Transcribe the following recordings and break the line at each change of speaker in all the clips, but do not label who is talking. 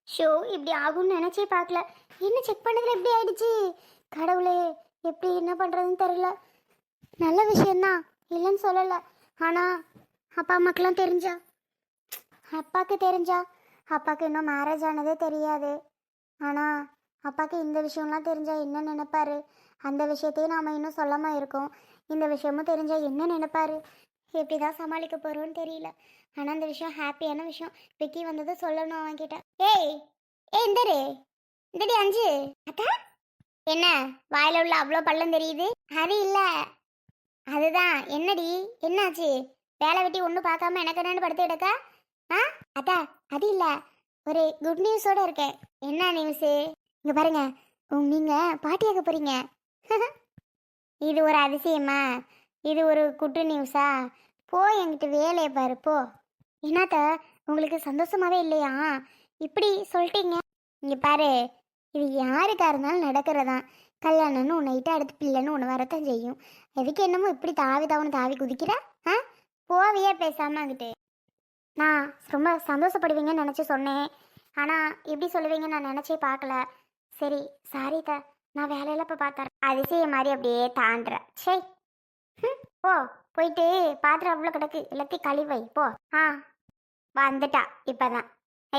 Show இப்படி ஆகும்னு நினச்சே பார்க்கல. என்ன செக் பண்ணதில் எப்படி ஆயிடுச்சு? கடவுளே, எப்படி என்ன பண்ணுறதுன்னு தெரியல. நல்ல விஷயந்தான், இல்லைன்னு சொல்லலை. ஆனால் அப்பா அம்மாக்கெல்லாம் தெரிஞ்சா, அப்பாவுக்கு தெரிஞ்சா, அப்பாவுக்கு இன்னும் மேரேஜ் ஆனதே தெரியாது. ஆனால் அப்பாவுக்கு இந்த விஷயம்லாம் தெரிஞ்சா என்ன நினைப்பாரு? அந்த விஷயத்தையும் நாம் இன்னும் சொல்லாமல் இருக்கோம். இந்த விஷயமும் தெரிஞ்சா என்ன நினைப்பாரு? எப்படி தான் சமாளிக்க போகிறோன்னு தெரியல. ஆனால் அந்த விஷயம் ஹாப்பியான விஷயம். விக்கி வந்தது சொல்லணும் அவன்கிட்ட. ஏய் ஏய் இந்தரு, இந்தடி அஞ்சு. அக்கா, என்ன வாயில உள்ள அவ்வளோ பள்ளம் தெரியுது? அது இல்லை, அதுதான். என்னடி என்னாச்சு? வேலை வெட்டி ஒன்றும் பார்க்காம எனக்கு என்னன்னு படுத்து கிடக்கா? ஆ அக்கா, அது இல்லை, ஒரு குட் நியூஸோட இருக்கேன். என்ன நியூஸு? இங்கே பாருங்க, நீங்கள் பாட்டியாக போகிறீங்க. இது ஒரு அதிசயமா? இது ஒரு குட்டு நியூஸா? போ, என்கிட்ட வேலையை பாரு போ. என்னத்த, உங்களுக்கு சந்தோஷமாவே இல்லையா? இப்படி சொல்லிட்டீங்க. இங்கே பாரு, இது யாருக்கா இருந்தாலும் நடக்கிறதான். கல்யாணம்னு உன்னை இட்ட அடுத்து பிள்ளைன்னு ஒன்று வரத்தான் செய்யும். எதுக்கு என்னமோ இப்படி தாவி தாவணும் தாவி குதிக்கிற? ஆ போவியே பேசாம அங்கிட்டு. நான் ரொம்ப சந்தோஷப்படுவீங்கன்னு நினச்சி சொன்னேன். ஆனால் இப்படி சொல்லுவீங்கன்னு நான் நினச்சே பார்க்கல. சரி, சாரி த, நான் வேலையில இப்போ பார்த்தேன். அதிசயம் மாதிரி அப்படியே தாண்டுற. சரி, போ, போயிட்டு பாத்திரம் அவ்வளோ கிடக்கு, எல்லாத்தையும் கழிவை போ. ஆ வந்துட்டா இப்பதான்.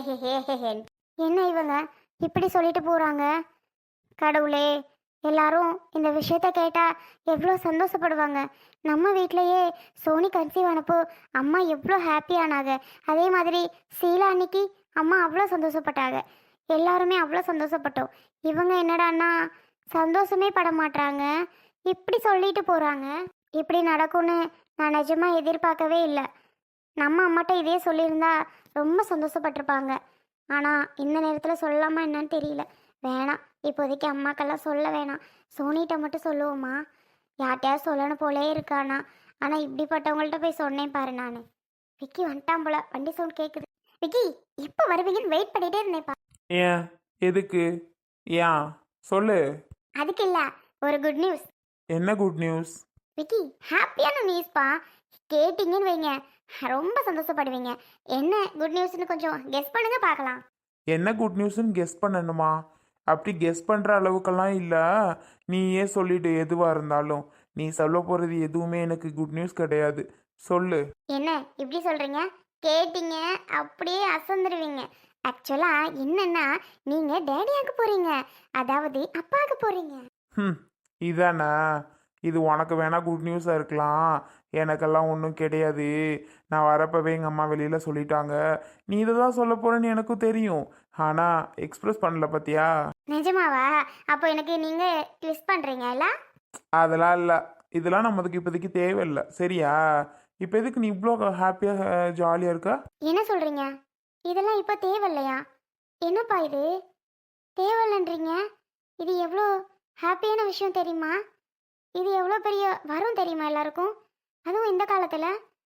என்ன இவங்க இப்படி சொல்லிட்டு போறாங்க? கடவுளே, எல்லாரும் இந்த விஷயத்த கேட்டா எவ்வளோ சந்தோஷப்படுவாங்க. நம்ம வீட்லயே சோனி கன்சீவ் ஆனப்போ அம்மா எவ்வளோ ஹாப்பியானாங்க. அதே மாதிரி சீலா அன்னைக்கு அம்மா அவ்வளோ சந்தோஷப்பட்டாங்க. எல்லாருமே அவ்வளோ சந்தோஷப்பட்டோம். இவங்க என்னடான்னா சந்தோஷமே பட மாட்டாங்க, இப்படி சொல்லிட்டு போறாங்க. இப்படி நடக்கும்னு நான் நிஜமா எதிர்பார்க்கவே இல்லை. நம்ம அம்மாட்ட இதே சொல்லியிருந்தா ரொம்ப சந்தோஷப்பட்டிருப்பாங்க. ஆனால் இந்த நேரத்தில் சொல்லாமா என்னன்னு தெரியல. வேணாம், இப்போதைக்கு அம்மாக்கெல்லாம் சொல்ல வேணாம். சோனிகிட்ட மட்டும் சொல்லுவோமா? யார்கிட்டயாவது சொல்லணும் போலே இருக்கானா. ஆனால் இப்படிப்பட்டவங்கள்ட்ட போய் சொன்னேன் பாரு நான். விக்கி வந்துட்டான் போல, வண்டி சவுண்ட் கேட்குது. விக்கி, எப்போ வருவீங்கன்னு வெயிட் பண்ணிட்டே இருந்தேன்ப்பா.
ஏன்? எதுக்கு? ஏன் சொல்லு.
அதுக்கு இல்லை, ஒரு குட் நியூஸ்.
என்ன குட் நியூஸ்?
விக்கி, ஹாப்பியான நியூஸ்ப்பா. கேட்டிங்கன்னு வைங்க, ரொம்ப சந்தோஷப்படுவீங்க. என்ன குட் நியூஸ்னு கொஞ்சம் கெஸ் பண்ணுங்க பார்க்கலாம்.
என்ன குட் நியூஸ்ன்னு கெஸ் பண்ணணுமா? அப்படி கெஸ் பண்ணுற அளவுக்கெல்லாம் இல்லை. நீயே சொல்லிடு எதுவாக இருந்தாலும். நீ சொல்ல போகிறது எதுவுமே எனக்கு குட் நியூஸ் கிடையாது. சொல்லு.
என்ன இப்படி சொல்றீங்க? கேட்டீங்க அப்படியே அசந்துருவீங்க. ஆக்சுவலா என்னன்னா, நீங்க டேடியாக்கு போறீங்க, அதாவது அப்பாவுக்கு போறீங்க.
ம், இதானே? இது உனக்கு வேணா குட் நியூஸாக இருக்கலாம், எனக்கெல்லாம் ஒன்றும் கிடையாது. நான் வரப்பவே எங்கள் அம்மா வெளியில் சொல்லிட்டாங்க. நீ இதை தான் சொல்ல போகிறேன்னு எனக்கும் தெரியும். ஆனால் எக்ஸ்பிரஸ் பண்ணல பார்த்தியா?
நிஜமாவா? அப்போ எனக்கு நீங்க ட்விஸ்ட் பண்றீங்கல்ல?
அதெல்லாம் இல்லை. இதெல்லாம் நம்மதுக்கு இப்போதைக்கு தேவையில்லை, சரியா? இப்போ எதுக்கு நீ இவ்வளோ ஹாப்பியாக ஜாலியாக இருக்கா?
என்ன சொல்றீங்க? இதெல்லாம் இப்போ தேவையில்லையா? என்னப்பா இது தேவையில்லைன்றீங்க? இது எவ்வளோ ஹாப்பியான விஷயம் தெரியுமா? இது எவ்வளோ பெரிய வரும் தெரியுமா எல்லாருக்கும்? அதுவும் இந்த காலத்துல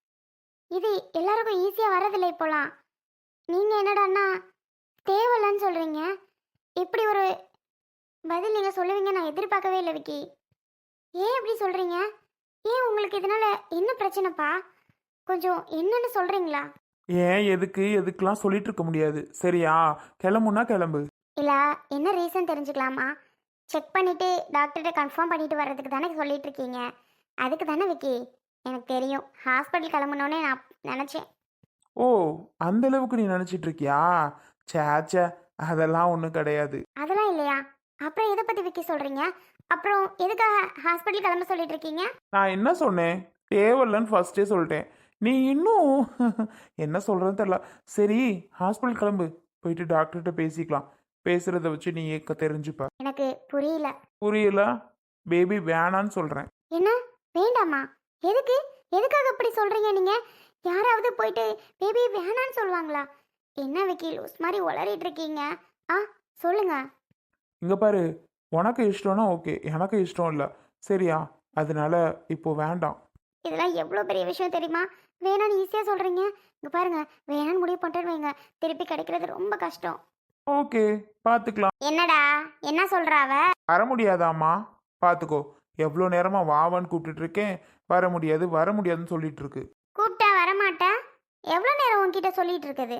இது எல்லாருக்கும் ஈஸியா வரதில்லை இப்போலாம். நீங்க என்னடான்னா தேவையில்லைன்னு சொல்றீங்க. இப்படி ஒரு பதில் நீங்க சொல்லுவீங்க நான் எதிர்பார்க்கவே இல்லை விக்கி. ஏன் இப்படி சொல்றீங்க? ஏன் உங்களுக்கு இதனால என்ன பிரச்சனைப்பா? கொஞ்சம் என்னன்னு சொல்றீங்களா?
ஏன் எதுக்கு எதுக்கெல்லாம் சொல்லிட்டு இருக்க முடியாது, சரியா? கிளம்புனா கிளம்பு.
இல்ல, என்ன ரீசன் தெரிஞ்சுக்கலாமா? செக் பண்ணிட்டு டாக்டர்கிட்ட கன்ஃபார்ம் பண்ணிட்டு வர்றதுக்கு தானே சொல்லிட்டு இருக்கீங்க. அதுக்கு தானே விக்கி. எனக்கு தெரியும், ஹாஸ்பிட்டல் கிளம்பணுன்னே நான் நினச்சேன்.
ஓ, அந்த அளவுக்கு நீ நினச்சிட்டு இருக்கியா? சேச்சே, அதெல்லாம் ஒன்றும் கிடையாது.
அதெல்லாம் இல்லையா? அப்புறம் எதை பற்றி விக்கி சொல்கிறீங்க? அப்புறம் எதுக்காக ஹாஸ்பிட்டல் கிளம்ப சொல்லிட்டு இருக்கீங்க?
நான் என்ன சொன்னேன்? தேவையில்லைன்னு ஃபர்ஸ்டே சொல்லிட்டேன். நீ இன்னும் என்ன சொல்கிறதுன்னு தெரியல. சரி, ஹாஸ்பிட்டல் கிளம்பு, போயிட்டு டாக்டர்கிட்ட பேசிக்கலாம். பேசுகிறத வச்சு நீ ஏக்க தெரிஞ்சுப்ப.
எனக்கு புரியல.
புரியல? பேபி வேணான்னு சொல்கிறேன்.
என்ன வேண்டாமா? எதுக்கு? எதுக்காக அப்படி சொல்கிறீங்க நீங்கள்? யாராவது போயிட்டு பேபி வேணான்னு சொல்லுவாங்களா? என்ன விக்கி லூஸ் மாதிரி உளறிட்டு இருக்கீங்க? ஆ சொல்லுங்க.
இங்கே பாரு, உனக்கு இஷ்டம்னா ஓகே, எனக்கு இஷ்டம் இல்லை, சரியா? அதனால இப்போ வேண்டாம்.
இதெல்லாம் எவ்வளோ பெரிய விஷயம் தெரியுமா? வேணான்னு ஈஸியாக சொல்கிறீங்க. இங்கே பாருங்க, வேணான்னு முடிவு பண்ணிட்டு வைங்க, திருப்பி கிடைக்கிறது ரொம்ப கஷ்டம்.
ஓகே, பார்த்துக்கலாம்.
என்னடா என்ன சொல்கிறா அவ?
வர முடியாதாம்மா? பார்த்துக்கோ, எவ்வளோ நேரமாக வாவான்னு கூப்பிட்டுட்டு இருக்கேன். வர முடியாது வர முடியாதுன்னு சொல்லிட்டு இருக்கு.
கூப்பிட்டா வரமாட்டா? எவ்வளோ நேரம் உன்கிட்ட சொல்லிட்டு இருக்குது?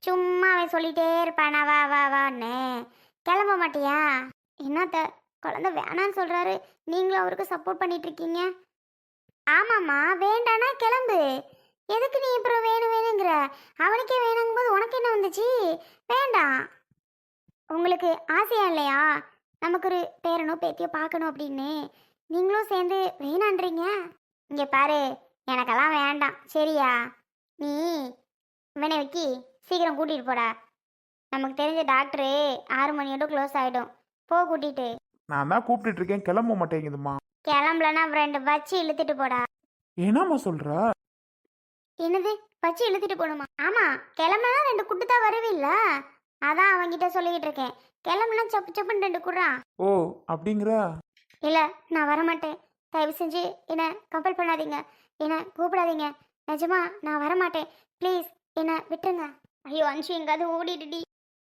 சும்மா அவன் சொல்லிட்டே இருப்பானா வா வா வான்னு. கிளம்ப மாட்டியா? என்னத்த குழந்தை வேணான்னு சொல்றாரு, நீங்களும் அவருக்கு சப்போர்ட் பண்ணிட்டு இருக்கீங்க. ஆமாம்மா, வேண்டானா கிளம்பு. எதுக்கு நீ அப்புறம் வேணும் வேணுங்கிற? அவனுக்கே வேணுங்கும் போது உனக்கு என்ன வந்துச்சு? வேண்டாம். உங்களுக்கு ஆசையா இல்லையா நமக்கு ஒரு பேரனோ பேத்தியோ பார்க்கணும் அப்படின்னு? நீங்களும் சேர்ந்து வேணான்றீங்க. இங்கே பாரு, எனக்கெல்லாம் வேண்டாம் சரியா? நீ இவனை வைக்கி சீக்கிரம் கூட்டிகிட்டு போடா. நமக்கு தெரிஞ்ச டாக்டரு 6 மணியோட க்ளோஸ் ஆகிடும். போ கூட்டிகிட்டு.
நான் தான் கூப்பிட்டுட்டு இருக்கேன், கிளம்ப மாட்டேங்குதுமா.
கிளம்பலன்னா 2 வச்சு இழுத்துட்டு போடா.
என்னம்மா சொல்ற?
என்னது வச்சு இழுத்துட்டு போகணுமா? ஆமாம், கிளம்புனா 2 குட்டு தான் வருவில்ல, அதான் அவன்கிட்ட சொல்லிக்கிட்டு இருக்கேன். கிளம்புனா சப்பு சப்புன்னு 2 குடுறான்.
ஓ அப்படிங்கிற?
இல்லை, நான் வரமாட்டேன். தயவு செஞ்சு என்னை கம்பல் பண்ணாதீங்க, என்னை கூப்பிடாதீங்க. நிஜமா நான் வரமாட்டேன். ப்ளீஸ் என்னை விட்டுருங்க. ஐயோ அஞ்சு எங்காவது ஓடிடுடி.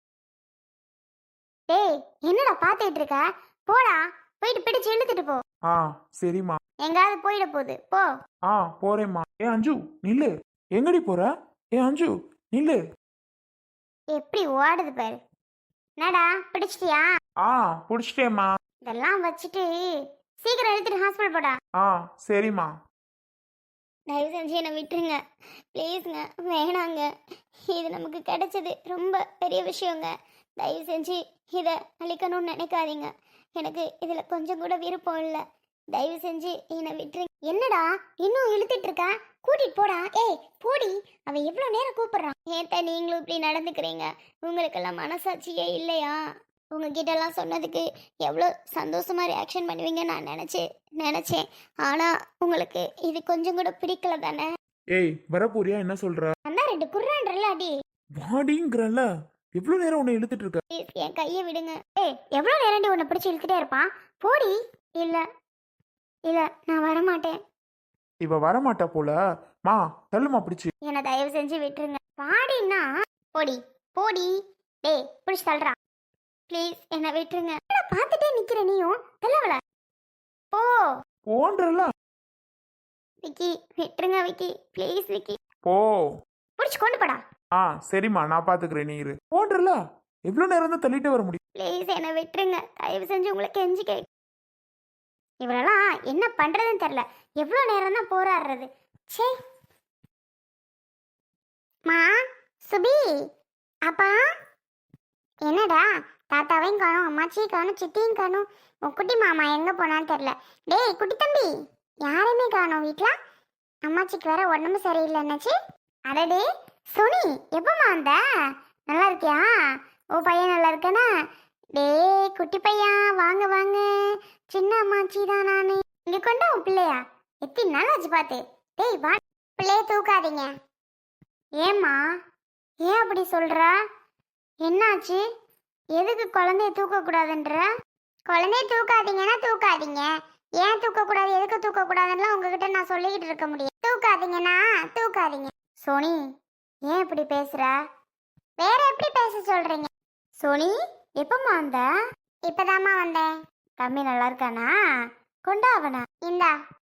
டேய் என்னடா பார்த்துட்டு இருக்க? போடா, போயிட்டு பிடிச்சு இழுத்துட்டு போ.
ஆ சரிம்மா.
எங்காவது போயிட போகுது, போ.
ஆ போறேம்மா. ஏ அஞ்சு நில்லு. எங்கடி போற? ஏ அஞ்சு நில்லு.
எப்படி ஓடுது பாரு. என்னடா பிடிச்சிட்டியா?
ஆ புடிச்சிட்டேம்மா.
இதெல்லாம் வச்சுட்டு சீக்கிரம் எடுத்துட்டு ஹாஸ்பிட்டல் போடா.
ஆ சரிம்மா.
தயவு செஞ்சு என்னை விட்டுருங்க ப்ளீஸுங்க. வேணாங்க, இது நமக்கு கிடைச்சது ரொம்ப பெரிய விஷயங்க. தயவு செஞ்சு இதை அழிக்கணும்னு நினைக்காதீங்க. எனக்கு இதில் கொஞ்சம் கூட விருப்பம் இல்லை. தயவு செஞ்சு என்னை விட்டுருங்க. என்னடா இன்னும் இழுத்துட்டு இருக்க? கூட்டிட்டு போடா. ஏய் போடி, அவன் எவ்வளோ நேரம் கூப்பிடுறான். ஏன்டா நீங்களும் இப்படி நடந்துக்கிறீங்க? உங்களுக்கெல்லாம் மனசாட்சியே இல்லையா? உங்ககிட்டலாம் சொன்னதுக்கு எவ்வளோ சந்தோஷமா ரியாக்ஷன் பண்ணுவீங்க நான் நினச்சேன். ஆனால் உங்களுக்கு இது கொஞ்சம் கூட பிடிக்கல தானே?
ஏய் வரப்போறியா? என்ன சொல்ற?
அந்த 2 குர்ரான்றல அடி.
வாடிங்கிறல்ல, எவ்வளவு நேரம் உன்னை இழுத்துட்டு இருக்க?
ப்ளீஸ் என் கையை விடுங்க. ஏய் எவ்வளோ நேரண்டி உன்னை பிடிச்சி இழுத்துட்டே இருப்பான்? போடி. இல்லை இல்லை, நான் வரமாட்டேன்.
இவ வரமாட்டா போல. மா தள்ளுமா பிடிச்சு.
என்னை தயவு செஞ்சு விட்டுருங்க. பாடினா போடி போடி. டேய் பிடிச்சி தள்ளுறா. ப்ளீஸ் என்னை விட்டுருங்க. பார்த்துட்டே நிக்கிற நீயும் தள்ளவள. போ
போன்றல.
விக்கி விட்டுருங்க விக்கி, ப்ளீஸ் விக்கி.
போ.
பிடிச்சி கொண்டு போடா.
ஆ சரிம்மா, நான் பாத்துக்கிறேன், நீ இரு. போன்றல, எவ்வளவு நேரம் தான் தள்ளிட்டே வர முடியும்?
ப்ளீஸ் என்னை விட்டுருங்க தயவு செஞ்சு, உங்களுக்கு கெஞ்சி கே. இவரெல்லாம் என்ன பண்றதுன்னு தெரியல. எவ்வளோ நேரம் தான் போராடுறது. சே மா சுபி அப்பா. என்னடா தாத்தாவையும் காணும், அம்மாச்சியும் காணும், சித்தியும் காணும். உன் குட்டி மாமா எங்கே போனான்னு தெரில. டேய் குட்டி தம்பி, யாரையுமே காணும் வீட்டில். அம்மாச்சிக்கு வேற உடம்பு சரியில்லைன்னாச்சு. அடடே சுனி, எப்போம்மா வந்த? நல்லா இருக்கியா? ஓ பையன் நல்லா இருக்கானா? டேய் குட்டி பையன் வாங்க வாங்க. சின்ன அம்மாச்சி தான் நானு. இங்கே கொண்டா உன் பிள்ளையா? எத்தனை நாள் ஆச்சு பார்த்து. டேய் வா. பிள்ளைய தூக்காதீங்க. ஏம்மா ஏன் அப்படி சொல்கிற? என்னாச்சு? எதுக்கு குழந்தைய தூக்கக்கூடாதுன்ற? குழந்தைய தூக்காதீங்கன்னா தூக்காதீங்க. ஏன் தூக்கக்கூடாது எதுக்கு தூக்கக்கூடாதுன்னா உங்ககிட்ட நான் சொல்லிக்கிட்டு இருக்க முடியும். தூக்காதீங்கன்னா தூக்காதீங்க. சோனி ஏன் இப்படி பேசுற? வேற எப்படி பேச சொல்றீங்க? சோனி எப்பம்மா வந்த? இப்பதாம்மா வந்தேன். தம்பி நல்லா இருக்கானா? கொண்டா அவனா. இந்தா.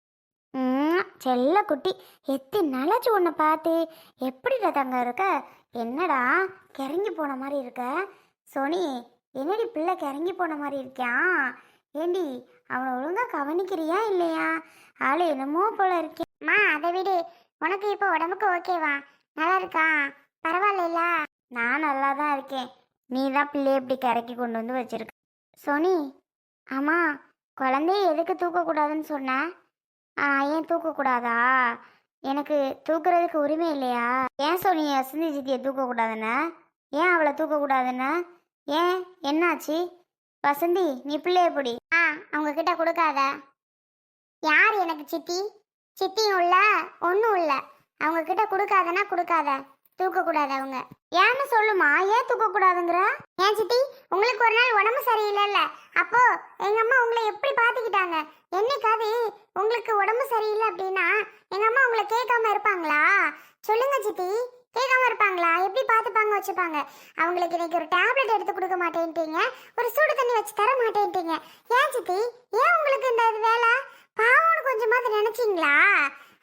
செல்ல குட்டி, எத்தனை நாளாச்சு உன்னை பார்த்து. எப்படிடா தங்க இருக்க? என்னடா கிறங்கி போன மாதிரி இருக்க? சோனி என்னடி பிள்ளை கிறங்கி போன மாதிரி இருக்கான்? ஏண்டி அவனை ஒழுங்கா கவனிக்கிறியா இல்லையா? ஆளு என்னமோ போல இருக்கேம்மா. அதை விடு, உனக்கு இப்போ உடம்புக்கு ஓகேவா? நல்லா இருக்கா? பரவாயில்ல. நான் நல்லா தான் இருக்கேன். நீ தான் பிள்ளைய இப்படி கிறக்கி கொண்டு வந்து வச்சிருக்க. சோனி ஆமாம், குழந்தைய எதுக்கு தூக்கக்கூடாதுன்னு சொன்ன? ஏன் தூக்கக்கூடாதா? எனக்கு தூக்குறதுக்கு உரிமை இல்லையா? ஏன் சோனி வசந்தி சித்தியை தூக்கக்கூடாதுன்னு? ஏன் அவளை தூக்கக்கூடாதுன்னு? ஏன் என்னாச்சு? வசந்தி நீ பிள்ளைய பிடி. அவங்க கிட்ட கொடுக்காத. யார் எனக்கு சித்தி? சித்தியும் இல்ல ஒன்றும் இல்லை. அவங்க கிட்ட கொடுக்காதன்னா கொடுக்காத. தூக்கக்கூடாது அவங்க. ஏன்னு சொல்லுமா, ஏன் தூக்கக்கூடாதுங்கிற? ஏன் சித்தி, உங்களுக்கு ஒரு நாள் உடம்பு சரியில்லைல்ல, அப்போ எங்க அம்மா உங்களை எப்படி பார்த்துக்கிட்டாங்க? என்னைக்காவது உங்களுக்கு உடம்பு சரியில்லை அப்படின்னா எங்க அம்மா உங்களை கேட்காம இருப்பாங்களா? சொல்லுங்க சித்தி, கேட்காம இருப்பாங்களா? எப்படி பார்த்துப்பாங்க வச்சுப்பாங்க? அவங்களுக்கு இன்னைக்கு ஒரு டேப்லெட் எடுத்து கொடுக்க மாட்டேன்ட்டீங்க, ஒரு சூடு தண்ணி வச்சு தர மாட்டேன்ட்டீங்க. ஏன் சித்தி, ஏன் உங்களுக்கு இந்த வேலை? பாவம்னு கொஞ்சமாவது நினைச்சிங்களா?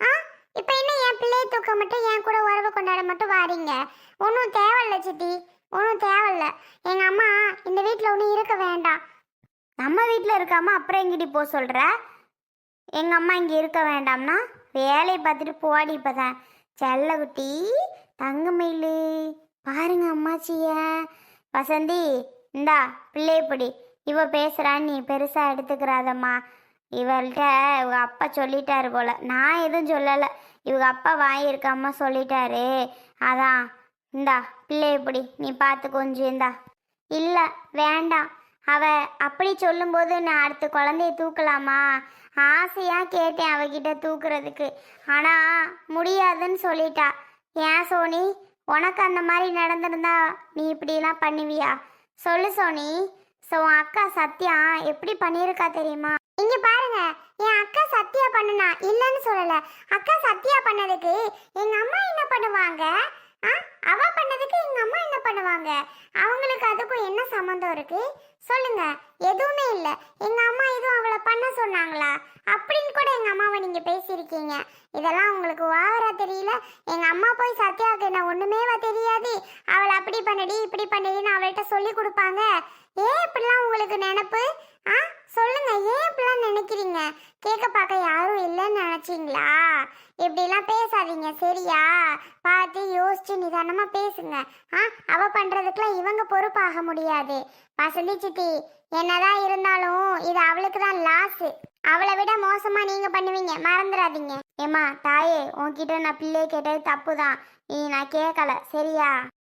இப்போ என்ன என் பிள்ளையை தூக்க மட்டும் என் கூட உறவு கொண்டாட மட்டும் வாரீங்க? ஒன்றும் தேவையில்ல சித்தி, ஒன்றும் தேவையில்ல. எங்கள் அம்மா இந்த வீட்டில் ஒன்றும் இருக்க வேண்டாம். நம்ம வீட்டில் இருக்காம அப்புறம் எங்கிட்டி போக சொல்கிற? எங்கள் அம்மா இங்கே இருக்க வேண்டாம்னா வேலையை பார்த்துட்டு போடி. இப்போ தான் செல்லகுட்டி தங்கமயிலு பாருங்க அம்மாச்சிய. வசந்தி இந்தா பிள்ளையப்படி இவ பேசுகிறான்னு நீ பெருசாக எடுத்துக்கிறாதம்மா. இவள்கிட்ட இவங்க அப்பா சொல்லிட்டாரு போல, நான் எதுவும் சொல்லலை. இவங்க அப்பா வாங்கியிருக்காம சொல்லிட்டாரு. அதான் இந்தா பிள்ளையப்படி நீ பார்த்து கொஞ்சம் இந்தா. இல்லை வேண்டாம், அவ அப்படி சொல்லும்போது நான் அடுத்த குழந்தைய தூக்கலாமா? ஆசையாக கேட்டேன் அவகிட்ட தூக்குறதுக்கு, ஆனால் முடியாதுன்னு சொல்லிட்டா. ஏன் சோனி, உனக்கு அந்த மாதிரி நடந்திருந்தா நீ இப்படிலாம் பண்ணுவியா? சொல்லு சோனி. ஸோ அக்கா சத்யா எப்படி பண்ணியிருக்கா தெரியுமா? இங்க பாருங்க, என் அக்கா சத்யா பண்ணுனா இல்லைன்னு சொல்லல. அக்கா சத்யா பண்ணதுக்கு எங்க அம்மா என்ன பண்ணுவாங்க? அவ பண்ணதுக்கு எங்க அம்மா என்ன பண்ணுவாங்க? அவங்களுக்கு அதுக்கும் என்ன சம்மந்தம் இருக்கு சொல்லுங்க? எதுவுமே இல்லை. எங்க அம்மா எதுவும் அவளை பண்ண சொன்னாங்களா அப்படின்னு கூட எங்க அம்மாவை நீங்க பேசியிருக்கீங்க. இதெல்லாம் உங்களுக்கு ஓவரா தெரியல? எங்க அம்மா போய் சத்யாவுக்கு என்ன ஒண்ணுமேவா தெரியாது? அவளை அப்படி பண்ணடி இப்படி பண்ணடின்னு அவள்கிட்ட சொல்லி கொடுப்பாங்க. ஏன் இப்படிலாம் உங்களுக்கு நினைப்பு? சொல்லுங்க, ஏன் இப்படிலாம் நினைக்கிறீங்க? கேட்க பார்க்க யாரும் இல்லைன்னு நினைச்சிங்களா? இப்படிலாம் பேசாதீங்க சரியா? பார்த்து யோசிச்சு நிதானமா பேசுங்க. அவ பண்றதுக்குலாம் இவங்க பொறுப்பாக முடியாது. வசந்தி சித்தி, என்னதான் இருந்தாலும் இது அவளுக்கு தான் லாஸ். அவளை விட மோசமா நீங்க பண்ணுவீங்க, மறந்துடாதீங்க. ஏமா தாயே, உன்கிட்ட நான் பிள்ளைய கேட்டது தப்பு தான். நீ நான் கேட்கல சரியா?